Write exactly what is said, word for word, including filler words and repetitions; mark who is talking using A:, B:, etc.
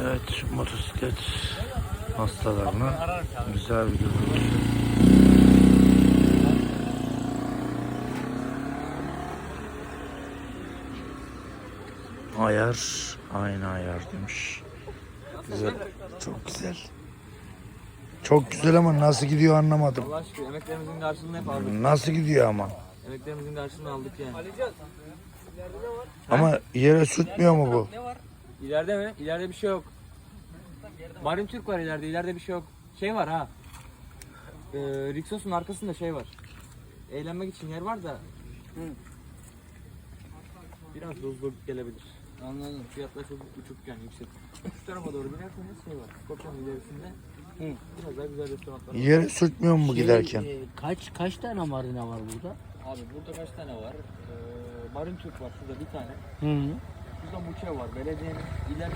A: Evet, motosiklet hastalarına güzel bir görüntü. Ayar, aynı ayar demiş. Güzel, çok güzel. Çok güzel ama nasıl gidiyor anlamadım.
B: Allah aşkına emeklerimizin karşılığını hep aldık.
A: Nasıl gidiyor ama?
B: Emeklerimizin karşılığını aldık yani.
A: Ama yere sürtmüyor mu bu?
B: İleride mi? İleride bir şey yok. Marin Türk var ileride. İleride bir şey yok. Şey var ha. Ee, Rixos'un arkasında şey var. Eğlenmek için yer var da. Hı. Biraz dozlu gelebilir. Anladım. Fiyatlar çok uçuk yani yüksek. Şu tarafa doğru binerseniz şey var. Skopya'nın ilerisinde Hı. biraz daha güzel restoranlar var.
A: Yere sürtmüyor mu bu
C: Şey,
A: giderken?
C: e, kaç kaç tane marina var burada?
B: Abi burada kaç tane var? Ee, Marin Türk var şurada bir tane.
C: Hı.
B: Şurada Muçev var. Belediyenin ileride